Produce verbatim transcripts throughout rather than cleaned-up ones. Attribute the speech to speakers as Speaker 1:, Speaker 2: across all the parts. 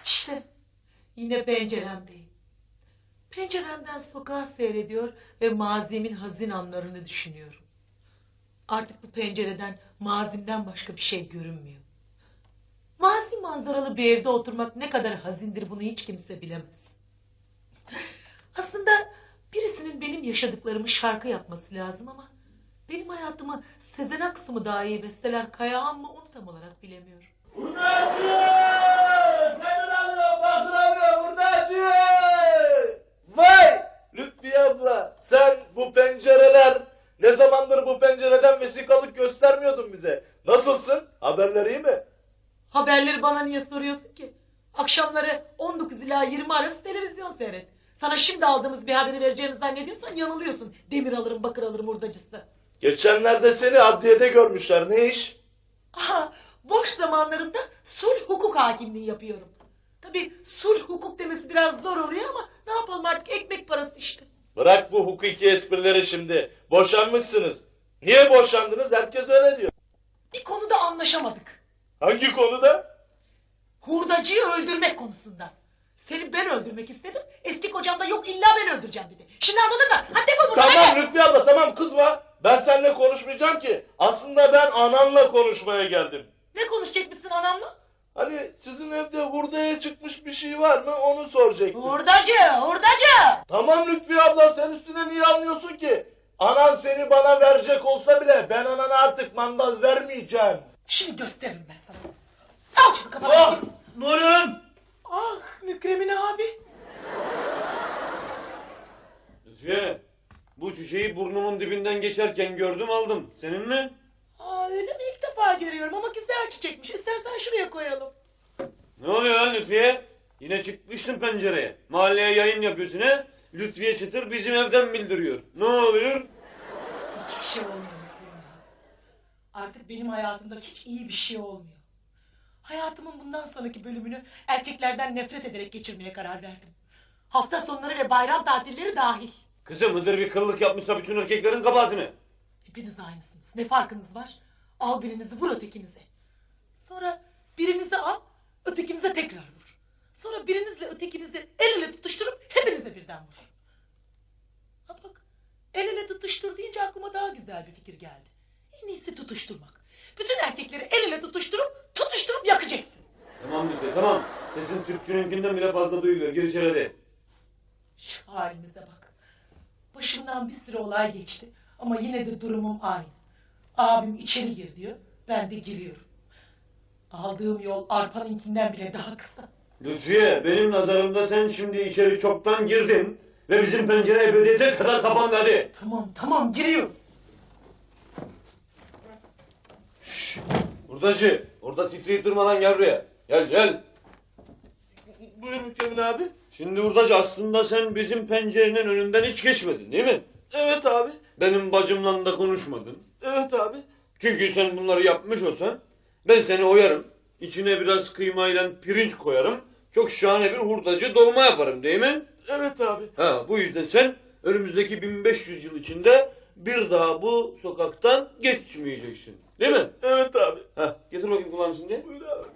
Speaker 1: İşte yine penceremdeyim. Penceremden sokağı seyrediyor ve mazimin hazin anlarını düşünüyorum. Artık bu pencereden mazimden başka bir şey görünmüyor. Mazi manzaralı bir evde oturmak ne kadar hazindir bunu hiç kimse bilemez. Aslında birisinin benim yaşadıklarımı şarkı yapması lazım ama benim hayatımı Sezen Aksu mu daha iyi besteler, Kayağan mı onu tam olarak bilemiyorum.
Speaker 2: Hurdacı! Senin alıyor, bakır alıyor, hurdacı! Vay! Lütfiye abla, sen bu pencereler, ne zamandır bu pencereden vesikalık göstermiyordun bize. Nasılsın? Haberler iyi mi?
Speaker 1: Haberleri bana niye soruyorsun ki? Akşamları on dokuz ila yirmi arası televizyon seyret. Sana şimdi aldığımız bir haberi vereceğini zannediyorsan yanılıyorsun. Demir alırım, bakır alırım hurdacısı.
Speaker 2: Geçenlerde seni adliyede görmüşler. Ne iş?
Speaker 1: Aha, boş zamanlarımda sulh hukuk hakimliği yapıyorum. Tabii sulh hukuk demesi biraz zor oluyor ama ne yapalım artık ekmek parası işte.
Speaker 2: Bırak bu hukuki esprileri şimdi. Boşanmışsınız. Niye boşandınız? Herkes öyle diyor.
Speaker 1: Bir konuda anlaşamadık.
Speaker 2: Hangi konuda?
Speaker 1: Hurdacıyı öldürmek konusunda. Seni ben öldürmek istedim. Eski kocam da yok illa ben öldüreceğim dedi. Şimdi anladın mı? Hadi defol buradan.
Speaker 2: Tamam
Speaker 1: hadi.
Speaker 2: Lütfiye abla, tamam kızma. Ben seninle konuşmayacağım ki. Aslında ben ananla konuşmaya geldim.
Speaker 1: Ne konuşacakmışsın anamla?
Speaker 2: Hani sizin evde hurdaya çıkmış bir şey var mı onu soracaktım.
Speaker 1: Hurdacı, hurdacı.
Speaker 2: Tamam Lütfiye abla, sen üstüne niye almıyorsun ki? Anan seni bana verecek olsa bile ben anana artık mandal vermeyeceğim.
Speaker 1: Şimdi gösteririm ben sana. Al şunu kafana.
Speaker 2: Ah! Nurem!
Speaker 1: Ah Mükremin abi.
Speaker 3: Lütfiye, bu çiçeği burnumun dibinden geçerken gördüm aldım. Senin mi?
Speaker 1: Aa öyle mi? İlk defa görüyorum ama güzel çiçekmiş. İstersen şuraya koyalım.
Speaker 3: Ne oluyor lan Lütfiye? Yine çıkmışsın pencereye. Mahalleye yayın yapıyorsun he? Lütfiye Çıtır bizim evden bildiriyor. Ne oluyor?
Speaker 1: Hiçbir şey olmuyor Mükremin abi. Artık benim hayatımda hiç iyi bir şey olmuyor. Hayatımın bundan sonraki bölümünü erkeklerden nefret ederek geçirmeye karar verdim. Hafta sonları ve bayram tatilleri dahil.
Speaker 3: Kızım Hıdır bir kıllık yapmışsa bütün erkeklerin kabahatini.
Speaker 1: Hepiniz aynısınız. Ne farkınız var? Al birinizi vur ötekinize. Sonra birinizi al ötekinize tekrar vur. Sonra birinizle ötekinizi el ele tutuşturup hepinize birden vur. Ha bak el ele tutuştur deyince aklıma daha güzel bir fikir geldi. En iyisi tutuşturmak. Bütün erkekleri el ele tutuşturup tutuşturup yakacaksın.
Speaker 3: Tamam Lütfiye tamam. Sesin Türkçününkinden bile fazla duyuluyor. Gir içeri hadi.
Speaker 1: Şu halimize bak. Başımdan bir sürü olay geçti ama yine de durumum aynı. Abim içeri gir diyor, ben de giriyorum. Aldığım yol arpanınkinden bile daha kısa.
Speaker 3: Lütfiye benim nazarımda sen şimdi içeri çoktan girdin. Ve bizim pencere ebediyete kadar kapandı hadi.
Speaker 1: Tamam tamam giriyoruz.
Speaker 3: Şşş. Hurdacı orada titreyip durma lan gel buraya. Gel gel.
Speaker 2: Buyur Mükremin abi.
Speaker 3: Şimdi hurdacı aslında sen bizim pencerenin önünden hiç geçmedin değil mi?
Speaker 2: Evet abi.
Speaker 3: Benim bacımla da konuşmadın.
Speaker 2: Evet abi.
Speaker 3: Çünkü sen bunları yapmış olsan ben seni oyarım. İçine biraz kıymayla pirinç koyarım. Çok şahane bir hurdacı dolma yaparım değil mi?
Speaker 2: Evet abi.
Speaker 3: Ha, bu yüzden sen önümüzdeki bin beş yüz yıl içinde bir daha bu sokaktan geçmeyeceksin. Değil mi?
Speaker 2: Evet abi.
Speaker 3: Ha, getir bakayım kulağını şimdi.
Speaker 2: Buyur abi.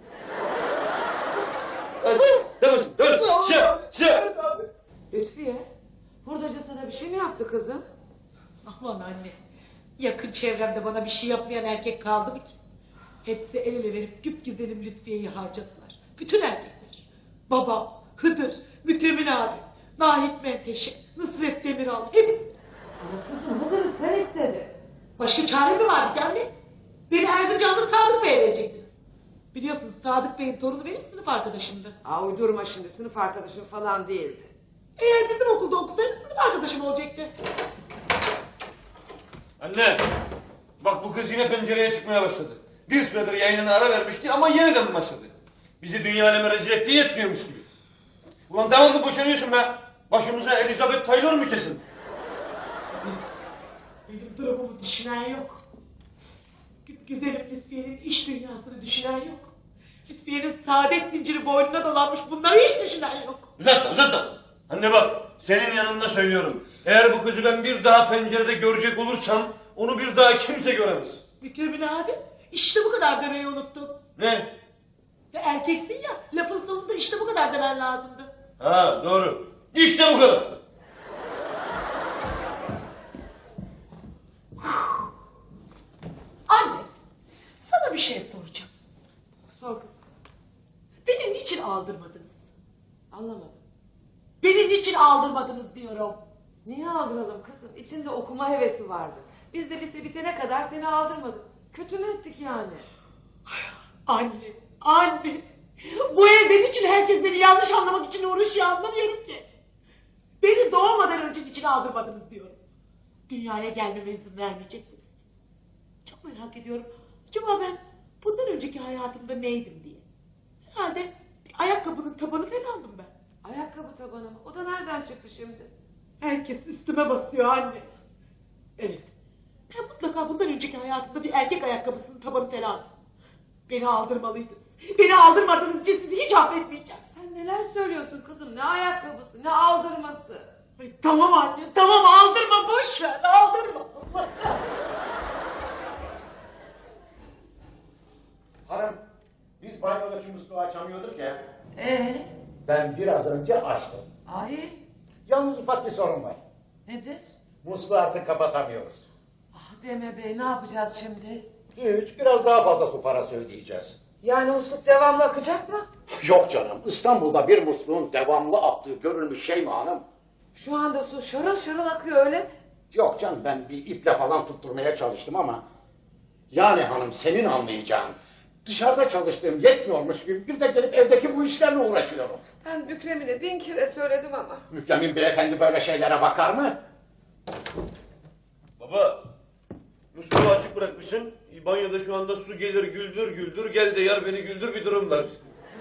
Speaker 3: Hadi. Demesin. Dön. Sıra. Sıra.
Speaker 2: Evet abi.
Speaker 4: Lütfiye, hurdacı sana bir şey mi yaptı kızım?
Speaker 1: Aman anne. Yakın çevremde bana bir şey yapmayan erkek kaldı mı ki? Hepsi el ele verip güpgüzelim Lütfiye'yi harcadılar. Bütün erkekler. Babam, Hıdır, Mükremin abi, Nahit Menteşe, Nusret Demiral hepsi.
Speaker 4: Ama kızım Hıdır'ı sen istedin.
Speaker 1: Başka çare mi vardı ki anne? Beni Erzincanlı Sadık Bey'e verecektiniz. Biliyorsunuz Sadık Bey'in torunu benim sınıf arkadaşımdı.
Speaker 4: Aa uydurma şimdi, sınıf arkadaşın falan değildi.
Speaker 1: Eğer bizim okulda okusaydı sınıf arkadaşım olacaktı.
Speaker 3: Anne. Bak bu kız yine pencereye çıkmaya başladı. Bir süredir yayınına ara vermişti ama yeniden başladı. Bizi dünya aleme rezil ettiği yetmiyormuş gibi. Ulan devamlı boşanıyorsun be. Başımıza Elizabeth Taylor mu kesin?
Speaker 1: Benim durumumu düşünen yok. Güzelim Lütfiye'nin iş dünyasını düşünen yok. Lütfiye'nin saadet zinciri boynuna dolanmış bunları hiç düşünen yok.
Speaker 3: Uzatma uzatma. Anne bak senin yanında söylüyorum. Eğer bu kızı ben bir daha pencerede görecek olursam onu bir daha kimse göremez.
Speaker 1: Mükremin abi işte bu kadar demeyi unuttun.
Speaker 3: Ne?
Speaker 1: Ya Sen erkeksin ya, lafın sonunda işte bu kadar demen lazımdı.
Speaker 3: Ha doğru. İşte bu kadar.
Speaker 1: Anne, sana bir şey soracağım.
Speaker 4: Sor kızım.
Speaker 1: Beni niçin aldırmadınız?
Speaker 4: Anlamadım.
Speaker 1: Beni niçin aldırmadınız diyorum.
Speaker 4: Niye aldıralım kızım? İçinde okuma hevesi vardı. Biz de lise bitene kadar seni aldırmadık. Kötü mü ettik yani?
Speaker 1: Anne, anne. Bu evde niçin herkes beni yanlış anlamak için uğraşıyor anlamıyorum ki. Beni doğmadan önce niçin aldırmadınız diyorum. Dünyaya gelmeme izin vermeyecektiniz. Çok merak ediyorum. Acaba ben bundan önceki hayatımda neydim diye. Herhalde bir ayakkabının tabanı falandım ben.
Speaker 4: Ayakkabı tabanı mı? O da nereden çıktı şimdi?
Speaker 1: Herkes üstüme basıyor anne. Evet. Ben mutlaka bundan önceki hayatımda bir erkek ayakkabısının tabanı falandım. Beni aldırmalıydınız. Beni aldırmadığınız için sizi hiç affetmeyeceğim.
Speaker 4: Sen neler söylüyorsun kızım? Ne ayakkabısı, ne aldırması?
Speaker 1: Ay, tamam anne, tamam aldırma, boş ver, aldırma.
Speaker 5: Hanım, biz banyodaki musluğu açamıyorduk ya.
Speaker 4: Ee,
Speaker 5: Ben biraz önce açtım.
Speaker 4: ay
Speaker 5: Yalnız ufak bir sorun var.
Speaker 4: nedir?
Speaker 5: Musluğu artık kapatamıyoruz.
Speaker 4: Ah deme bey, ne yapacağız şimdi?
Speaker 5: Hiç, biraz daha fazla su parası ödeyeceğiz.
Speaker 4: Yani musluk devamlı akacak mı?
Speaker 5: Yok canım, İstanbul'da bir musluğun devamlı aktığı görülmüş şey mi hanım?
Speaker 4: Şu anda su şarıl şarıl akıyor öyle mi?
Speaker 5: Yok canım, ben bir iple falan tutturmaya çalıştım ama... Yani hanım, senin anlayacağın... Dışarıda çalıştığım yetmiyormuş gibi bir de gelip evdeki bu işlerle uğraşıyorum.
Speaker 4: Ben Mükremine bin kere söyledim ama.
Speaker 5: Mükremin beyefendi böyle şeylere bakar mı?
Speaker 3: Baba, musluğu açık bırakmışsın. Banyoda şu anda su gelir güldür güldür. Gel de yar beni güldür bir durum var.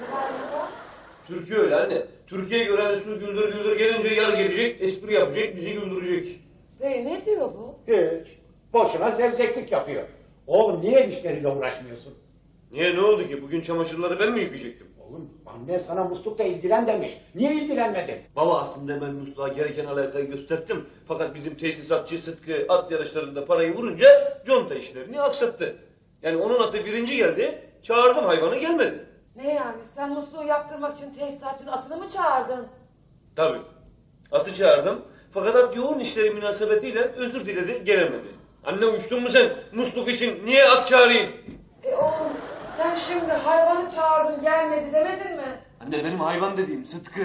Speaker 3: Türkiye öyle anne. Türkiye'ye göre hani su güldür güldür gelince yar gelecek, espri yapacak, bizi güldürecek.
Speaker 4: Bey ne diyor bu?
Speaker 5: Hiç. Boşuna zevzeklik yapıyor. Oğlum niye el işleriyle uğraşmıyorsun?
Speaker 3: Niye ne oldu ki? Bugün çamaşırları ben mi yıkayacaktım?
Speaker 5: Oğlum annen sana muslukla ilgilen demiş. Niye ilgilenmedin?
Speaker 3: Baba aslında ben musluğa gereken alakayı gösterdim. Fakat bizim tesisatçı Sıtkı at yarışlarında parayı vurunca conta işlerini aksattı. Yani onun atı birinci geldi, çağırdım hayvanı gelmedi.
Speaker 4: Ne yani sen musluğu yaptırmak için tesisatçının atını mı çağırdın?
Speaker 3: Tabii. Atı çağırdım. Fakat at yoğun işleri münasebetiyle özür diledi, gelemedi. Anne uçtun mu sen musluk için? Niye at çağırayım?
Speaker 4: E oğlum sen şimdi hayvanı çağırdın gelmedi demedin mi?
Speaker 3: Anne benim hayvan dediğim Sıtkı.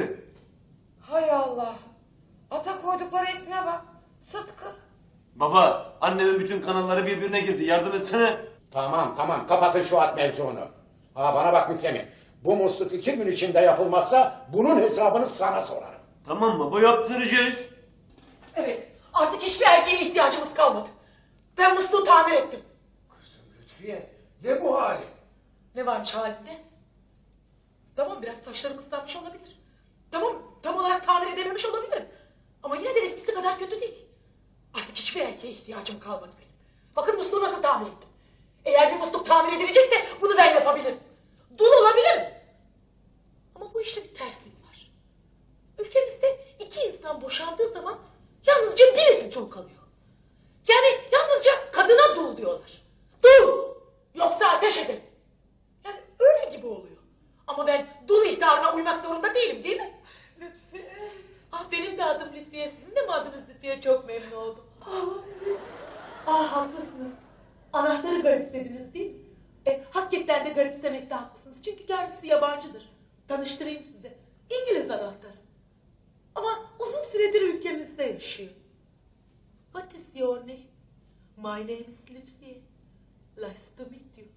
Speaker 4: Hay Allah. Ata koydukları isme bak. Sıtkı.
Speaker 3: Baba, annemin bütün kanalları birbirine girdi. Yardım etsene.
Speaker 5: Tamam tamam kapatın şu at mevzunu. Ha bana bak Mükremin. Bu musluk iki gün içinde yapılmazsa bunun hesabını sana sorarım.
Speaker 3: Tamam baba, yaptıracağız.
Speaker 1: Evet, artık hiçbir erkeğe ihtiyacımız kalmadı. Ben musluğu tamir ettim.
Speaker 5: Kızım Lütfiye ne bu hali?
Speaker 1: Ne varmış halinde? Tamam biraz saçlarım ıslanmış olabilir. Tamam tam olarak tamir edememiş olabilirim. Ama yine de eskisi kadar kötü değil. Artık hiçbir erkeğe ihtiyacım kalmadı benim. Bakın musluğu nasıl tamir ettim. Eğer bir musluk tamir edilecekse bunu ben yapabilirim. Dul olabilirim. Ama bu işte bir terslik var. Ülkemizde iki insan boşandığı zaman yalnızca birisi dul kalıyor. Yani yalnızca kadına dul diyorlar. Dul! Yoksa ateş ederim. Yani öyle gibi oluyor. Ama ben dul ihtarına uymak zorunda değilim değil mi? Lütfiye. Ah benim de adım Lütfiye. Sizin de mi adınız Lütfiye? Çok memnun oldum. Ah, ah haklısınız. Anahtarı garipsediniz değil mi? E, hakikaten de garipsemekte haklısınız. Çünkü kendisi yabancıdır. Tanıştırayım size. İngiliz anahtarı. Ama uzun süredir ülkemizde yaşıyor. What is your name? My name is Lütfiye. Nice to meet you.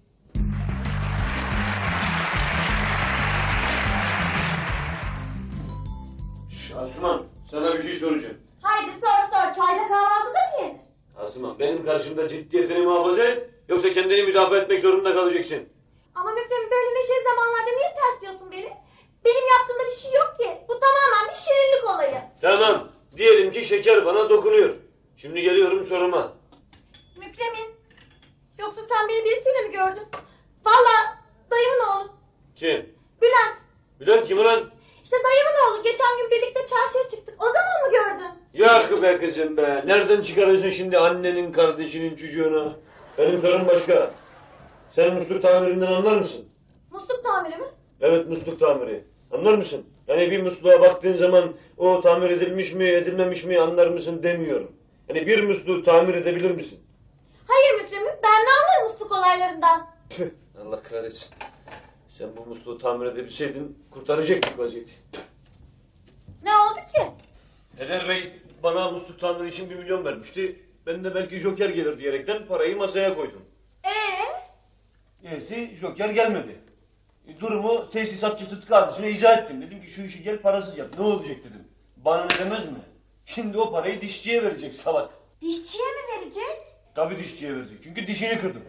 Speaker 3: Asuman, sana bir şey soracağım.
Speaker 6: Haydi sor sor. Çayda kahvaltıda mı yenir?
Speaker 3: Asuman, benim karşımda ciddiyetini muhafaza et, yoksa kendini müdafaa etmek zorunda kalacaksın.
Speaker 6: Ama Mükrem böyle neşeli zamanlarda niye tersliyorsun beni? Benim yaptığımda bir şey yok ki. Bu tamamen bir şirinlik olayı.
Speaker 3: Tamam, diyelim ki şeker bana dokunuyor. Şimdi geliyorum soruma.
Speaker 6: Mükremin. Yoksa sen beni birisiyle mi gördün? Vallahi dayımın oğlu.
Speaker 3: Kim?
Speaker 6: Bülent.
Speaker 3: Bülent kim ulan?
Speaker 6: İşte dayımın oğlu. Geçen gün birlikte çarşıya çıktık. O zaman mı gördün?
Speaker 3: Yok be kızım be. Nereden çıkarıyorsun şimdi annenin kardeşinin çocuğunu? Benim sorum başka. Sen musluk tamirinden anlar mısın?
Speaker 6: Musluk tamiri mi?
Speaker 3: Evet, musluk tamiri. Anlar mısın? Yani bir musluğa baktığın zaman o tamir edilmiş mi edilmemiş mi anlar mısın demiyorum. Yani bir musluğu tamir edebilir misin?
Speaker 6: Hayır Mükremin, ben ne anlarım musluk olaylarından?
Speaker 3: Tüh, Allah kahretsin. Sen bu musluğu tamir edebilseydin kurtaracaktık vaziyeti.
Speaker 6: Ne oldu ki?
Speaker 3: Eder Bey bana musluk tamiri için bir milyon vermişti. Ben de belki Joker gelir diyerekten parayı masaya koydum.
Speaker 6: Ee?
Speaker 3: Neyse Joker gelmedi. E, Durumu tesisatçı Sıtkı kardeşine izah ettim. Dedim ki şu işi gel parasız yap. Ne olacak dedim. Bana ne demez mi? Şimdi o parayı dişçiye verecek salak.
Speaker 6: Dişçiye mi verecek?
Speaker 3: Tabii dişçiye verecek. Çünkü dişini kırdım.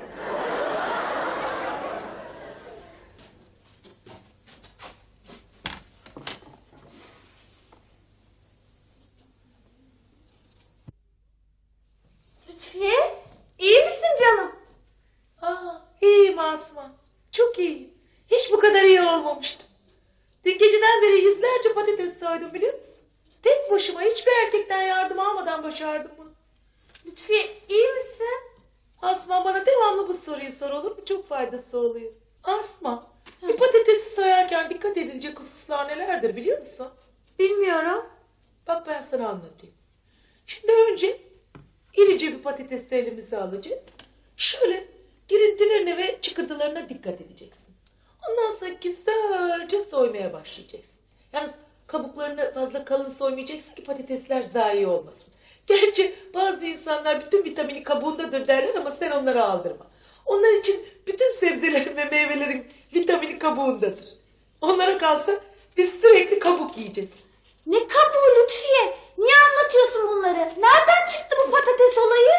Speaker 6: Lütfiye, iyi misin canım?
Speaker 1: Aa, iyiyim Asma. Çok iyiyim. Hiç bu kadar iyi olmamıştım. Dün geceden beri yüzlerce patates soydum biliyor musun? Tek başıma hiçbir erkekten yardım almadan başardım bunu.
Speaker 6: Lütfiye, iyi misin?
Speaker 1: Asma bana devamlı bu soruyu sor olur mu? Çok faydası oluyor. Asma, bir patatesi soyarken dikkat edilecek hususlar nelerdir biliyor musun?
Speaker 6: Bilmiyorum.
Speaker 1: Bak ben sana anlatayım. Şimdi önce irice bir patatesi elimize alacağız. Şöyle girintilerine ve çıkıntılarına dikkat edeceksin. Ondan sonra güzelce soymaya başlayacaksın. Yalnız kabuklarını fazla kalın soymayacaksın ki patatesler zayi olmasın. Gerçi bazı insanlar bütün vitamini kabuğundadır derler ama sen onları aldırma. Onlar için bütün sebzelerin ve meyvelerin vitamini kabuğundadır. Onlara kalsa biz sürekli kabuk yiyeceğiz.
Speaker 6: Ne kabuğu Lütfiye? Niye anlatıyorsun bunları? Nereden çıktı bu patates olayı?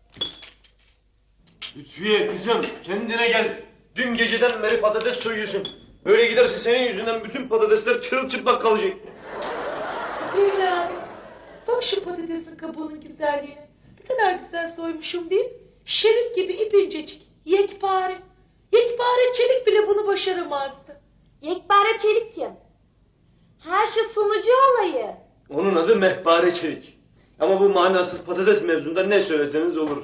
Speaker 3: Lütfiye kızım kendine gel. Dün geceden beri patates soyuyorsun. Böyle giderse senin yüzünden bütün patatesler çırılçıplak kalacak.
Speaker 1: Leyla, bak şu patatesin kabuğunun güzelliğine. Ne kadar güzel soymuşum değil mi? Şerit gibi ip incecik, yekpare. Yekpare çelik bile bunu başaramazdı.
Speaker 6: Yekpare Çelik kim? Ha şu sunucu olayı.
Speaker 3: Onun adı Mehpare Çelik. Ama bu manasız patates mevzunda ne söyleseniz olur.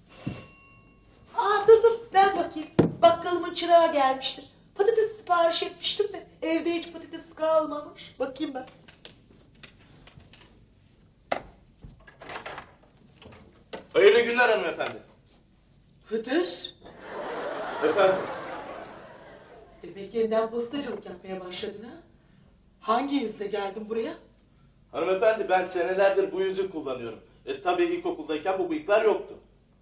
Speaker 1: Aa dur dur ben bakayım. Bakkalımın çırağı gelmiştir. Patates sipariş etmiştim de evde hiç patates kalmamış. Bakayım ben.
Speaker 2: Hayırlı günler hanımefendi.
Speaker 1: Hıdır.
Speaker 2: Efendim?
Speaker 1: Demek yeniden postacılık yapmaya başladın ha? Hangi yüzle geldin buraya?
Speaker 2: Hanımefendi ben senelerdir bu yüzü kullanıyorum. E tabii ilkokuldayken bu bıyıklar yoktu.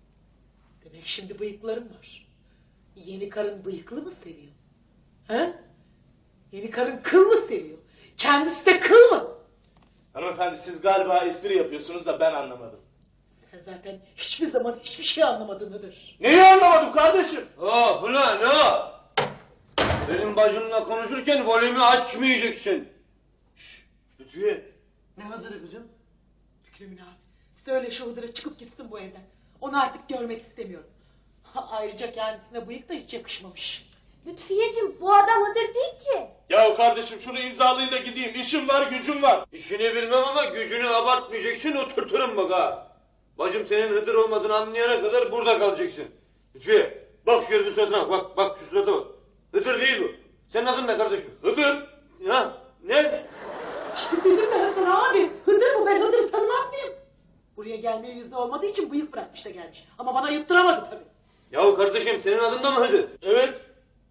Speaker 1: Demek şimdi bıyıkların var. Yeni karın bıyıklı mı seviyor? He? Yeni karın kıl mı seviyor? Kendisi de kıl mı?
Speaker 2: Hanımefendi siz galiba espri yapıyorsunuz da ben anlamadım.
Speaker 1: Sen zaten hiçbir zaman hiçbir şey anlamadın Hıdır.
Speaker 2: Neyi anlamadım kardeşim?
Speaker 3: Oh ulan o! Benim bacımla konuşurken volümü açmayacaksın.
Speaker 2: Şşş Lütfiye. Ne hadırı kızım?
Speaker 1: Fikrimin abi söyle şu Hıdır'a çıkıp gitsin bu evden. Onu artık görmek istemiyorum. Ha, ayrıca kendisine bıyık da hiç yakışmamış.
Speaker 6: Lütfiyeciğim bu adam Hıdır değil ki.
Speaker 2: Ya kardeşim şunu imzalayın da gideyim. İşim var gücüm var.
Speaker 3: İşini bilmem ama gücünü abartmayacaksın oturturum bak ha. Bacım senin Hıdır olmadığını anlayana kadar burada kalacaksın. Lütfiye bak şu herifin suratına bak bak şu surata bak. Hıdır değil bu. Senin adın ne kardeşim?
Speaker 2: Hıdır.
Speaker 3: Ha? Ne?
Speaker 1: İşte dedim ben sana abi. Hıdır bu ben Hıdır'ı tanımaz mıyım? Buraya gelmeye yüzde olmadığı için bıyık bırakmış da gelmiş. Ama bana yutturamadı tabii.
Speaker 3: Yahu kardeşim senin adın da mı Hıdır?
Speaker 2: Evet.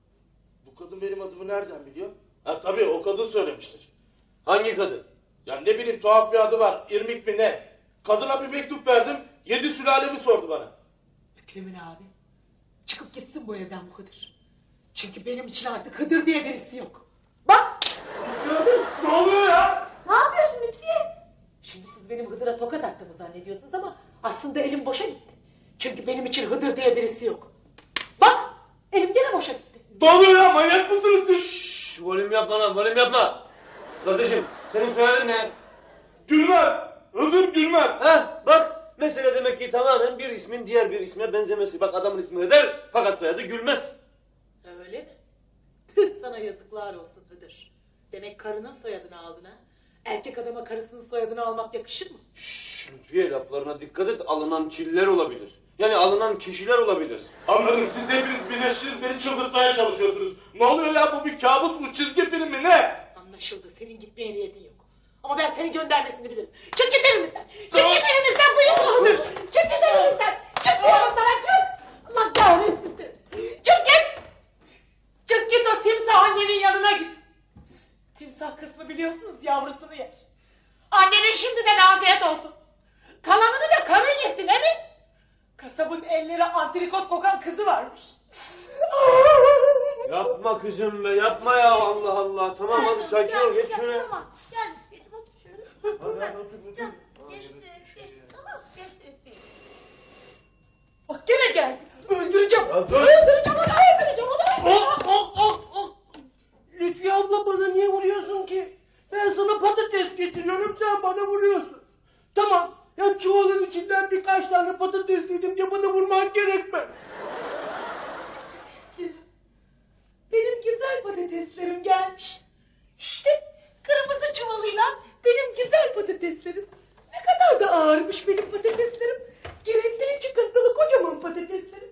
Speaker 2: Bu kadın benim adımı nereden biliyor? Ha tabii o kadın söylemiştir.
Speaker 3: Hangi kadın?
Speaker 2: Ya ne bileyim tuhaf bir adı var. İrmik mi ne? Kadına bir mektup verdim. Yedi sülalemi sordu bana.
Speaker 1: Fikrimin abi. Çıkıp gitsin bu evden bu Hıdır. Çünkü benim için artık Hıdır diye birisi yok. Bak. Gördün mü?
Speaker 2: Ne oluyor ya?
Speaker 6: Ne yapıyorsun Lütfiye?
Speaker 1: Şimdi siz benim Hıdır'a tokat attığımı zannediyorsunuz ama aslında elim boşa gitti. Çünkü benim için Hıdır diye birisi yok. Bak elim gene boşa gitti.
Speaker 2: Ne oluyor ya? Manyak mısınız siz?
Speaker 3: Şşş volüm yapma lan volüm yapma. Kardeşim senin soyadın ne?
Speaker 2: Gülmez. Hıdır Gülmez.
Speaker 3: Heh bak mesele demek ki tamamen bir ismin diğer bir isme benzemesi. Bak adamın ismi Hıdır fakat soyadı Gülmez.
Speaker 1: Öyle mi? Tüh, sana yazıklar olsun Hıdır. Demek karının soyadını aldın ha? Erkek adama karısının soyadını almak yakışır mı?
Speaker 3: Şşş Lütfiye laflarına dikkat et alınan çiller olabilir. Yani alınan kişiler olabilir.
Speaker 2: Anladım. Siz hepiniz birleştiniz beni çıldırtmaya çalışıyorsunuz. Ne oluyor ya, bu bir kabus mu, çizgi film mi, ne?
Speaker 1: Anlaşıldı. Senin gitmeye niyetin yok. Ama ben senin göndermesini bilirim. Çık git evimizden. Çık git evimizden, bıyık olur. Çık git evimizden. Çık diyorum sana, çık. Allah kahretsin seni. Çık git. Çık git, o timsah annenin yanına git. Timsah kısmı biliyorsunuz yavrusunu yer. Annenin şimdiden afiyet olsun. Kalanını da karın yesin, he mi? Kasabın elleri antrikot kokan kızı varmış.
Speaker 3: Yapma kızım be, yapma ya, Allah Allah. Tamam hadi sakin ol, geç şuraya.
Speaker 6: Tamam. Gel Lütfiye'cim otur şöyle.
Speaker 3: Hadi hadi otur, otur.
Speaker 6: Canım geçti geçti tamam geçti Lütfiye.
Speaker 1: Bak gene geldi. Öldüreceğim.
Speaker 3: Ya dur.
Speaker 1: Öldüreceğim onu, öldüreceğim onu.
Speaker 7: Oh, oh, oh, oh. Lütfiye abla, bana niye vuruyorsun ki? Ben sana patates getiriyorum, sen bana vuruyorsun. Tamam, ya çuvalın içinden birkaç tane patates yedim diye bana vurman gerekmez.
Speaker 1: Benim güzel patateslerim gelmiş. İşte kırmızı çuvalıyla benim güzel patateslerim. Ne kadar da ağırmış benim patateslerim. Girintili çıkıntılı kocaman patateslerim.